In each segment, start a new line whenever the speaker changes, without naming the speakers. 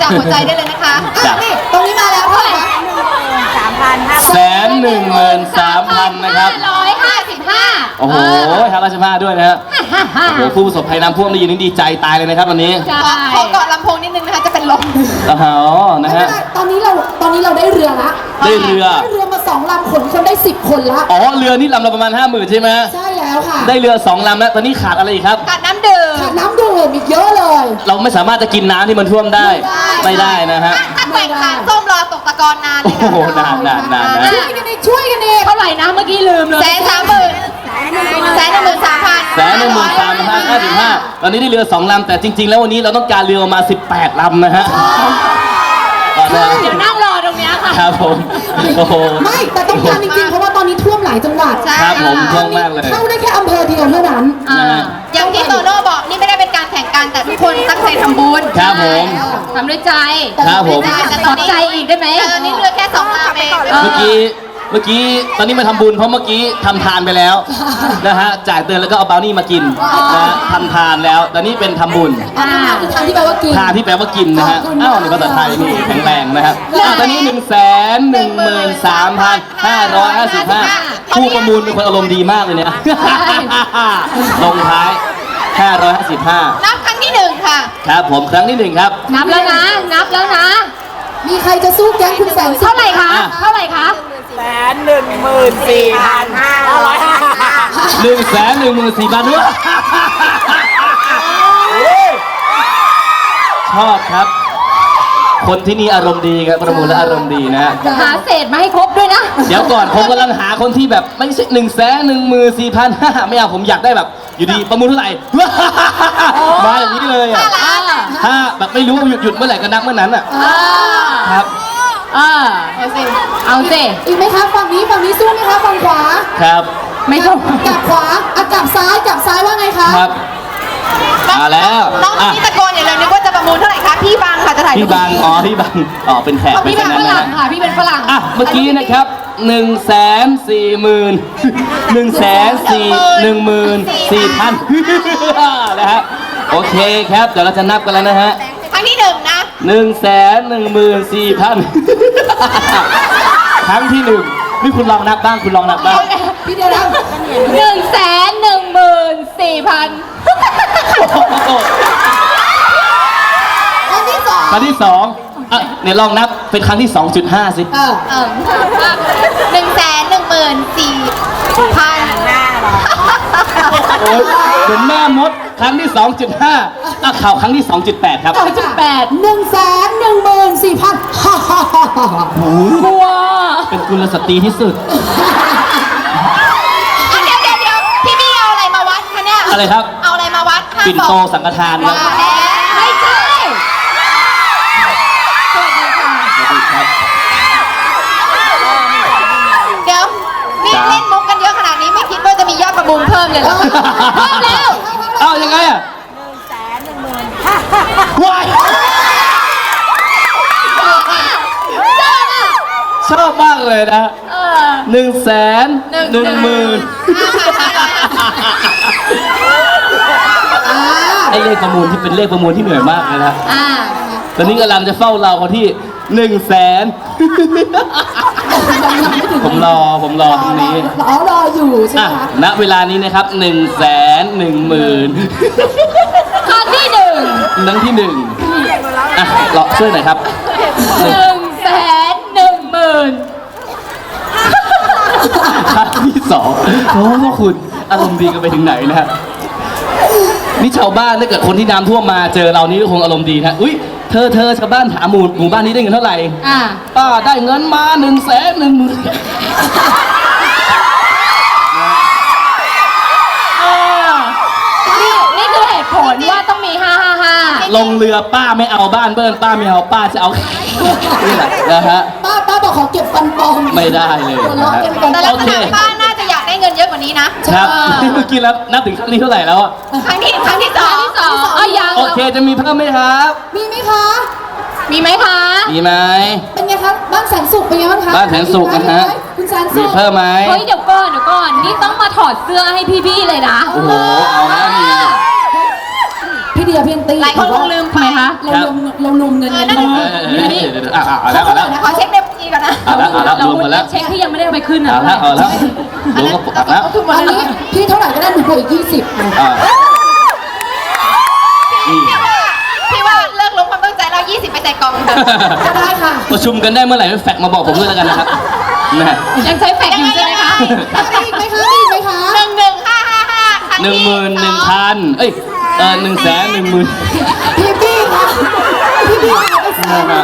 จากหัวใจได้เลยนะคะ
นี่ตรงนี้มาแล้วเท่าไหร่คะ
113,000นะครับ
155
โอ้โห155ด้วยนะฮะโอ้โหผู้ประสบภัยน้ำท่วมได้ยินนี่ดีใจตายเลยนะครับวันนี้
ขอเกาะลำโพงนิดนึงนะคะจะเป็นลม
อ๋อนะฮะ
ตอนนี้เราได้เรือละ
ได้เรือ
มา2 ลำขนคนได้10 คนละ
อ๋อเรือนี่ลำละประมาณ 50,000ใช่ไหม
ใช่แล้วค่ะ
ได้เรือ2 ลำแล้วตอนนี้ขาดอะไรอีกครับ
ขาดน้ำดื่ม
อีกเยอะเลย
เราไม่สามารถจะกินน้ำที่มันท่วมได้ไม่ได้นะฮะ
ถ้าแกว่งขาส้มรอตกตะกอนนานเลย
โอ้โหนานนะ
ช่วยกันเอง
เท่าไหร่นะเมื่อกี้ลืมเลย
113,555ตอนนี้ได้เรือ2 ลำแต่จริงๆแล้ววันนี้เราต้องการเรือมา18 ลำนะฮะ
เดี๋ยวนั่งรอตรงนี้ค่ะ
ครับผมโอ้โห
ไม่แต่ต้องการจริงๆเพราะว่าตอนนี้ท่วมหลายจังหวัด
ครับผมท่วมมากเลย
เข้าได้แค่อำเภอเดียวเท่านั้น
อย่างที่โตโน่บอกนี่ไม่ได้เป็นการแข่งกันแต่ทุกคนตั้งใจทำบุญ
ครับผม
ทำด้วยใจ
ครับผม
ขอใจอีกได้ไหมตอนนี้เรือแค่2 ลำเอง
เมื่อกี้ตอนนี้มาทำบุญเพราะเมื่อกี้ทำทานไปแล้วนะฮะจ่ายเตือนแล้วก็เอาบราวนี่มากินนะทำทานแล้วตอนนี้เป็นทำบุญ
ทานที่แปลว่ากิน
นะฮะอ้าวในภาษาไทยนี่แข็งแรงนะครับตอนนี้113,555ผู้ประมูลเป็นคนอารมณ์ดีมากเลยเนี่ยลงท้าย555
นับครั้งที่1ค่ะ
ครับผมครั้งที่1ครับ
นับแล้วนะ
มีใครจะสู้แก๊งคุณแสน
เท่าไหร่คะ
114,500ด้วยชอบครับคนที่นี่อารมณ์ดีครับประมูลและอารมณ์ดีนะฮะ
หาเศษมาให้ครบด้วยนะ
เดี๋ยวก่อนผมกำลังหาคนที่แบบไม่ใช่114,500ไม่เอาผมอยากได้แบบอยู่ดีประมูลเท่าไหร่มาอย่างนี้เลยอ่ะถ้าแบบไม่รู้ว่าหยุดเมื่อไหร่ก็นับเมื่อนั้นอ่ะครับ
เอาสิ
อีกไหมคะฝั่งนี้สู้ไหมคะฝั่งขวา
ครับ
ไม่ต้องกลับขวากลับซ้ายว่าไงคะ
ครับมาแล้ว
น้องนี่ตะโกนอย่าเลยนึกว่าจะประมูลเท่าไหร่คะพี่บังค่ะจะถ่าย
พี่บังพี่บังเป็นแขก
พี่บังฝรั่งค่ะพี่เป็นฝรั่ง
เมื่อกี้นะครับ140,000นะฮะโอเคครับเดี๋ยวเราจะนับกันแล้วนะฮะ
ครั้งที่1นะ
114,000ครั้งที่1นี่คุณลองนับบ้าง
พี่เดียวนะ
114,000
ครั้งที่2
เนี่ยลองนับเป็นครั้งที่ 2.5 สิ
114,000
โอ้ยเหมือนแม่มดครั้งที่ 2.5ข่าวครั้งที่ 2.8 ครับ
114,000
ว้าเป็นกุลสตรีที่สุด
เดี๋ยวพี่บี้เอาอะไรมาวัดคะเนี่ย
อะไรครับ
เอาอะไรมาวัด
ปิ่นโตสังฆทานครับ
ไม่ใช่เดี๋ยวนี่เล่นมุกกันเยอะขนาดนี้ไม่คิดว่าจะมียอดประมูลเพิ่มเลยเหรอเพิ่มแล้ว
ยังไงอ่ะว้ายชอบมากเลยนะ110,000ไอเลขประมูลที่เป็นเลขประมูลที่เหนื่อยมากเลยนะตอนนี้กำลังจะเฝ้าเราคนที่100,000ผมรอตรงนี้
รออยู่ใช่ไหมคะ
ณเวลานี้นะครับ110,000
ครั้งที่1
รอช่วยหน่อยครับ
110,000
ครั้งที่2โอ้พวกคุณอารมณ์ดีกันไปถึงไหนนะฮะนี่ชาวบ้านถ้าเกิดคนที่น้ำท่วมมาเจอเรานี่ก็คงอารมณ์ดีนะอุ้ยเธอชาวบ้านถามหมู่บ้านนี้ได้เงินเท่าไหร่ป้าได้เงินมา110,000
นี่คือเหตุผลว่าต้องมี555
ลงเรือป้าไม่เอาบ้านเบิ้ลป้าไม่เอาป้าจะเอานี่แหละนะฮะ
ป้าบอกขอเก็บฟันปลอม
ไม่ได้เลย
แต่ลักษณะป้าน่าจะอยากได้เงินเยอะกว่านี้นะครับ
เมื่อกี้แล้วนับถึงครั้งนี้เท่าไหร่แล้ว
ครั้งที่2ยัง
โอเคจะมีเพิ่มไหมครับ
มีไหมคะ
มีไหม
เป็นไงครับบ้านแสนสุขเป็นไงบ้างคะ
บ้านแสนสุขนะฮะ
คุณแสนสุข
มีเพิ่มไหม
เฮ้ยเดี๋ยวก่อนนี่ต้องมาถอดเสื้อให้พี่ๆเลยนะ
โอ้โหเอาแล้วนี่
พี่เดีอะพี่แอนตี้
หลายคนคงลืมไป
ทำไมคะ
เราลุมเงินกัน
นั่น
เอาแล้วเอาแล้ว
ขอเช็คในบัญชีก่อนนะ
เอาแล้วเอาแล้วรวมหมดแล้ว
เช็คที่ยังไม่ได้เอาไปขึ้นนะ
เอาแล้วเอาแล้วรวมก็เอาแล้ว
ทุกหมด
อัน
แล้ว
นี้พี่เท่าไหร่ก็ได้หนูบวกอีก20
อ่านี่
พี่ว่าเลิกลบความตั้งใจเรา20ไปใส่กล่องเถอะ
ก็ได้ค่ะ
ประชุมกันได้เมื่อไหร่แฟกมาบอกผมด้วยแล้วกันนะครับนะ
ยังใช้แฟกซ์อยู่ใช่ไหมคะ
มีอีกไหมคะมีอีกไหมคะ
11555
11,000เอ้ย110,000
พี่ค่ะพี่เอาไปใส่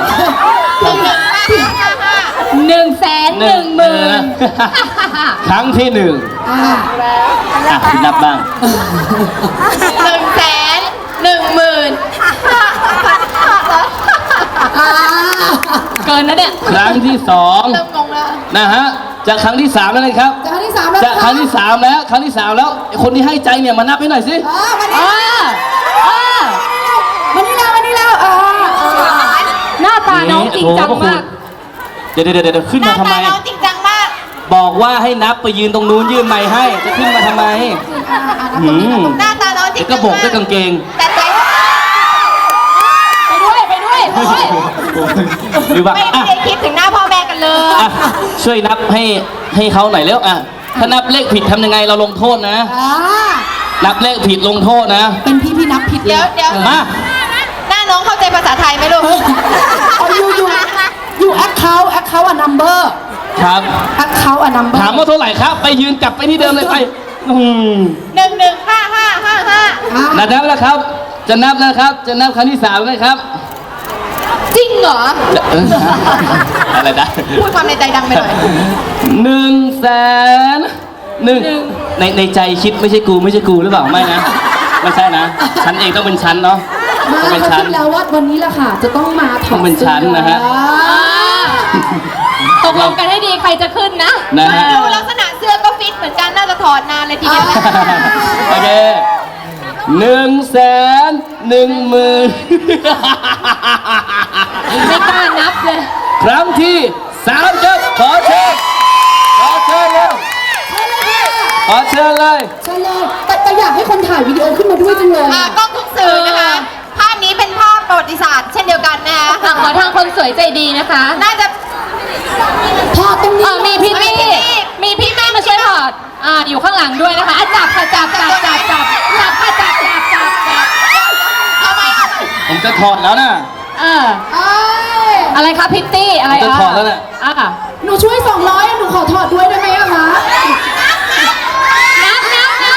110,000
ครั้งที่หนึ่ง
อ่า
พี่นับบ้าง
อ่า
เกินนะเนี่ย
ครั้งที่สอง
เริ่มงงแล้ว
นะฮะจากครั้งที่สามแล้วนะครับ
จะครั้งที่3แล้ว
จากครั้งที่สามแล้วครั้งที่สามแล้วไอ้คนที่ให้ใจเนี่ยมานับให้หน่อยสิ
วันนี้วันนี้แล้ว
หน้าตาน้องจริงจังมาก
เดี๋ยวขึ้น
หน้า
มาทำไม
ตาน้องจริงจังมาก
บอกว่าให้นับไปยืนตรงนู้นยื่นไม้ให้จะขึ้นมาทำไม
หน้าตาน้องจริ
เดี๋
ง
ยวก็บอกด้วยกางเกง
แต่ใจ
ไปด้วย
หรือว่า
ไม่ได้คิดถึงหน้าพ่อแม่กันเลย
ช่วยนับให้เขาหน่อยเร็วถ้านับเลขผิดทำยังไงเราลงโทษนะ นับเลขผิดลงโทษนะ
เป็นพี่นับผิด
เดี๋ยว
มา
หน้าน้องเข้าใจภาษาไทยไหมลูก
อยู่แอคเคาท์อะนัมเบอร์
ครับ
แอคเคาท์อะนัมเบอร์
ถามว่าเท่าไหร่ครับ ไปยืนกลับไปที่เดิมเลยไป
115555
นับแล้วครับ จะนับนะครับ จะนับครั้งที่สามเลยครับ
จริงเหรอ
อะไรนะ
พูดความในใจดังไปหน่อย
100,000ในใจคิดไม่ใช่กูหรือเปล่าไม่นะไม่ใช่นะฉันเองต้องเป็นฉันเนาะ
มา
ต้องเป็น
เขา
ฉัน
คิดแล้วว่าวันนี้แหละค่ะ จะต้องมาถอด
ต้องเป็นชั้นนะฮะ
ตกลงกันให้ดีใครจะขึ้นนะ
นะฮะ
ดูลักษณะเสื้อก็ฟิตเหมือนกันน่าจะถอดนานเลยทีเดียว
โอเค110,000
ไม่กล้านับเลย
ครั้งที่สามครับขอเชิญเร็วขอเชิญเลย
ใช่เลยแต่อยากให้คนถ่ายวิดีโอขึ้นมาด้วยจังเลย
กล้องทุกสื่อนะคะ ภาพนี้เป็นภาพประวัติศาสตร์เช่นเดียวกันนะคะ
ขอทางคนสวยใจดีนะคะ
น่าจะ
พอตรงนี้
มีพี่ตี้มาช่วยถอดอยู่ข้างหลังด้วยนะคะจับค่ะจับค่ะจับ
ผมจะถอดแล้วนะ
อะไรคะพิตตี้อะไร
จะถอดแล้วน่ะ
หนูช่วย200หนูขอถอดด้วยได้ไหมอะคะ
นับ
1 2 3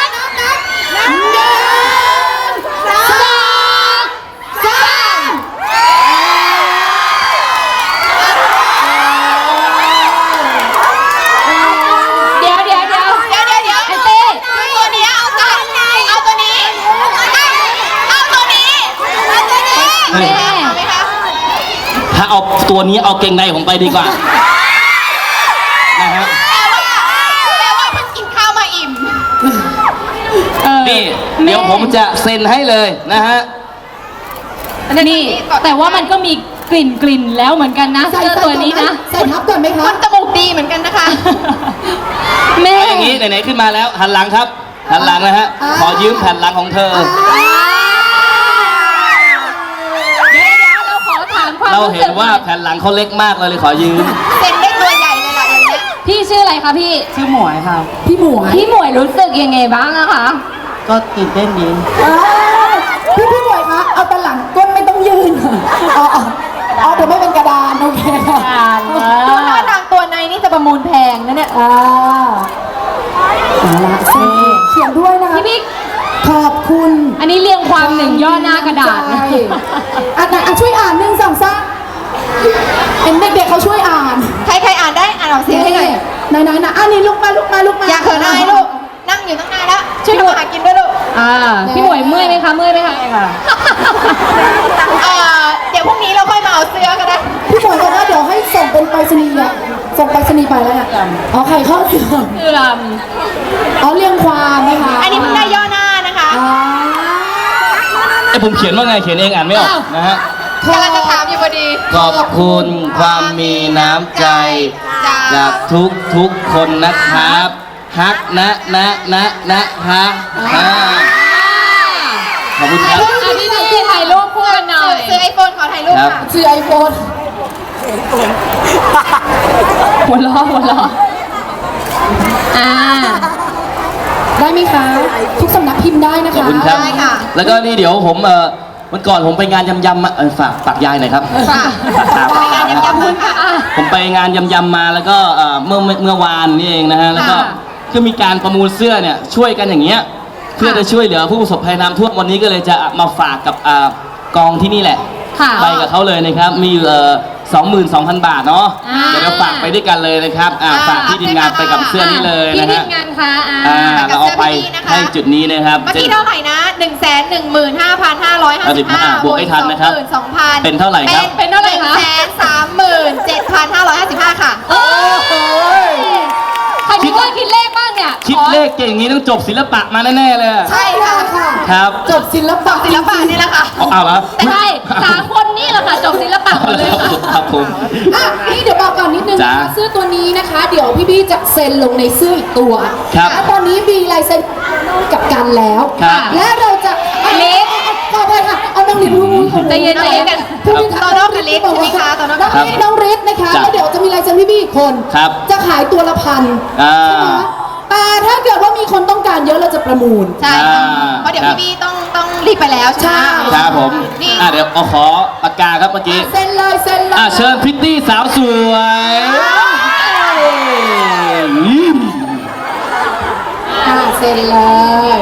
เดี๋ยว
เดี๋ยว
ไอ้เต้
ตัวนี้เอาตัวนี้
เฮ้ย
เอาไหมคะ
ถ้าเอาตัวนี้เอาเกงในผมไปดีกว่านะฮะ
แปลว่าเพิ่งกินข้าวมาอิ่ม
นี่เดี๋ยวผมจะเซ็นให้เลยนะฮะ
นี่แต่ว่ามันก็มีกลิ่นแล้วเหมือนกันนะ
ใส่
เสื้อตัวนี้นะ
ใส่ทับก่อนไหมคะ
มันจมูกดีเหมือนกันนะคะ
แม่
เอาอย่างนี้ไหนๆขึ้นมาแล้วหันหลังครับ หันหลังนะฮะขอยืมแผ่นหลังของเธอ
เดี๋ยวเราขอถามความ
เรา
รู้
เห็
สึ
น
ก
ว่าแผ่นหลังเขาเล็กมากเราเลยขอยืม
เซ็นได้ตัวใหญ่เลยล่ะอย่างเงี้ย
พี่ชื่ออะไรคะพี่
ชื่อหมวยครับ
พี่หมวย
พี่หมวยรู้สึกยังไงบ้างอะคะ
ก็ตื่นเต้นดี
พี่หมวยคะเอาแต่หลังก้นไม่ต้องยืนอ๋อเดี๋ยวไม่เป็นกระดานโอเคค่ะ
ดูท่าทางตัวในนี่จะประมูลแพงนะเนี่ย
เอาละเขียนด้วยนะคะ
พี่บิ๊ก
ขอบคุณ
อันนี้เรียงความหนึ่งย่อหน้ากระดาษนะ
ใช่ช่วยอ่าน1 2 3เห็นเด็กๆเขาช่วยอ่าน
ใครอ่านได้อ่านออกเสียงให้หน่อย
ไหนอันนี้ลุกมา
อย่าเขินอายลูก นั่งอยู่ตั้งนานแล้ว ช่วยดูหากินด้วยลูก
พี่หมวยเมื่อยไหมคะ
ค่ะ
ค่ะ
เดี๋ยวพรุ่งนี้เราค่อยมาเอาเสื้อก็ได้
พี่หมวยบอกว่าเดี๋ยวให้ส่งเป็นไปรษณีย์อะส่งไปรษณีย์ไปแล้วเนี่ยอ๋อไข่ข้อเสื่อม
เสื่อม
อ๋อเรียงความไหมคะ
อันนี้เพิ่งได้ย่อหน้านะคะ
ไอ้ผมเขียนว่าไงเขียนเองอ่านไม่ออกนะฮะ
กำลังจะถามอยู่พอดี
ขอบคุณความมีน้ำใจจากทุกคนนะครับฮักนะคะขอบคุณครับ
พี่บิ๊ก
ไอโฟนขอถ่ายรูป
ครับ
ค่ะ
ชื่อไอโฟน
หัวล้อหัวล้ออ่า
ได้ไหมคะ ทุกสำนักพิมพ์ได้นะ
ขอบ
คะ
คุณครับ
ได้ค่ะ
แล้วก็นี่เดี๋ยวผมวันก่อนผมไปงานยำๆมาฝากยายหน่อยครับ
ค่ะ
ครับ
ไปงานยำๆคุณค่ะ
ผมไปงานยำๆมาแล้วก็เมื่อวานนี่เองนะฮะแล้วก็
ค่ะ
ก็มีการประมูลเสื้อเนี่ยช่วยกันอย่างเงี้ยเพื่อจะช่วยเหลือผู้ประสบภัยน้ำท่วมวันนี้ก็เลยจะมาฝากกับกองที่นี่แหละ
ค่ะ
ไปกับเขาเลยนะครับมีอยู่22,000 บาทเนาะ
อ่า
เดี๋ยวเราฝากไปด้วยกันเลยนะครับฝากที่ทีมงานไปกับเสื้อนี้เลย
พี่
นะ
ที
ฮะ
มงานคะ
เราเอาไปให้จุดนี้นะครับ
เมื่อกี้เท่าไหร่นะ 115,555
บวกให้ทันนะครับ
22,000
เป็นเท่าไหร่ครับ
เป็นเท่าไหร่คะ
137,555 ค่ะ
โอ้ยใครคิดเลขคิดเลขบ้างเนี่ย
คิดเลขเก่งอย่างนี้ต้องจบศิลปะมาแน่ๆเลย
ใช่ค่ะ
ค่ะ
ครับ
จบศิลปะ
ศิลปะนี่แหละค่ะ
เอาเหรอ
ใช่สามคนนี่แหละค่ะจบศิลปะหมดเลยค่ะ
ครับผม
อ่ะนี่เดี๋ยวบอกก่อนนิดนึงนะ
จ้า
คะเสื้อตัวนี้นะคะ เดี๋ยวพี่บี้จะเซ็นลงในเสื้ออีกตัว
ครับ
และตอนนี้มีลายเซ็นกับกันแล้ว
ครับ
และเราจะ
ลิศ
ขอไปค่ะเอาน้องลิศพูด
ใจเย็นใจเย็น
พูด
โตโน่กับลิศใช่ไหมคะโตโน่กับ
น้องลิศน้องฤทธิ์นะคะ
จ้ะ
แล้วเดี๋ยวจะมีลายเซ็นพี่บี้อีกคน
ครับ
จะขายตัวละ1,000
อ่า
ใช่ไหมแต่ถ้าเกิดว่ามีคนต้องการเยอะเราจะประมูล
ใช่ค่ะ
อ่า
เพราะเดี๋ยวพี่บี้ต้องรีบไปแล้วใช่ไหม
ใช่
ครับผม
นี่
เดี๋ยวเอาขอปากกาครับเมื่อกี้
เซ็นเลยเซ็นเลย
เชิญพริตตี้สาวสวยอืม
เซ็นเลย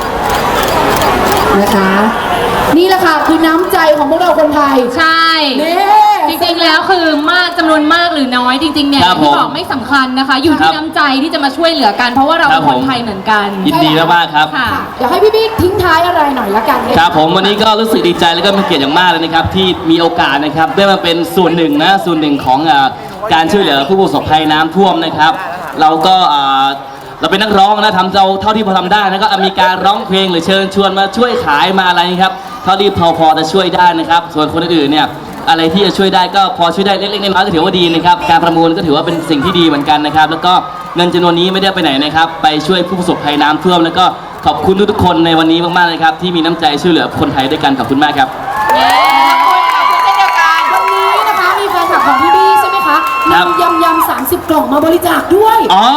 นะคะ นี่แหละค่ะคือน้ำใจของพวกเราคนไทย
ใช่
นี่
จริงๆ แล้วคือมากจำนวนมากหรือน้อยจริงๆ เนี่ย
ครับ
ที่
ผม
บอกไม่สำคัญนะคะ อยู่
ครั
ที่
บ
น้ำใจที่จะมาช่วยเหลือกัน เพราะว่าเรา
ครั
เป็
บ
นคน
ผม
ไทยเหมือนกัน
ยินดีมากๆครับ
ค่ะ
เดี๋ยวให้พี่บิ๊กทิ้งท้ายอะไรหน่อยละกันนะะ
ครับผมวันนี้ก็รู้สึกดีใจแล้วก็เป็นเกียรติอย่างมากเลยนะครับที่มีโอกาสนะครับได้มาเป็นส่วนหนึ่งของการช่วยเหลือผู้ประสบภัยน้ำท่วมนะครับ เราก็เราเป็นนักร้องนะทำเท่าที่พอทำได้แล้วก็มีการร้องเพลงหรือเชิญชวนมาช่วยขายมาอะไรนะครับเท่าที่พอจะช่วยได้นะครับ ส่วนคนอื่นๆเนี่ยอะไรที่จะช่วยได้ก็พอช่วยได้เล็กๆน้อยๆก็ถือว่าดีนะครับการประมูลก็ถือว่าเป็นสิ่งที่ดีเหมือนกันนะครับแล้วก็เงินจำนวนนี้ไม่ได้ไปไหนนะครับไปช่วยผู้ประสบภัยน้ำท่วมแล้วก็ขอบคุณทุกๆคนในวันนี้มากๆเลยครับที่มีน้ำใจช่วยเหลือคนไทยด้วยกันขอบคุณมากครับ
ขอบคุณเช่นเดียวกัน
วันนี้นะคะมีแฟนคลับของพี่บี้ใช่ไหมคะ
ครับ
นำยำ30 กล่องมาบริจาคด้วย
อ๋อ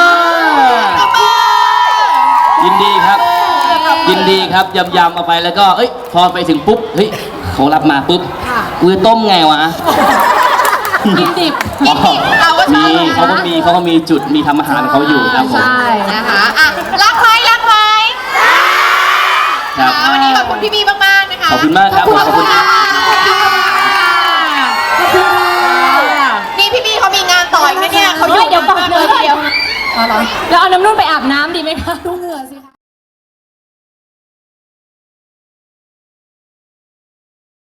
ยินดีครับ ยินดีครับยำๆเอาไปแล้วก็พอไปถึงปุ๊บเฮ้ยเขารับมาปุ๊บกูจะต้มไงวะ
กินดิบ
เราก็ชอบ
มีเขาก็มีจุดมีทำอาหารของเขาอยู่ครับผม
ใช่
นะคะอ่ะรักไหมรักไหม
ครับ
วันนี้ขอบคุณพี่บี้มากๆนะคะ
ขอบคุณมากครับ
ขอบคุณ
ขอบคุณ
ค่ะนี่พี่บี้เขามีงานต่ออีกนะเนี่ยเขา
เดี๋ยวก่อนเลยเดี๋ยว
เอาเหรอ
เราเอาน้ำนุ่นไปอาบน้ำดีไหมคะ
ดูเหงื่อสิคะ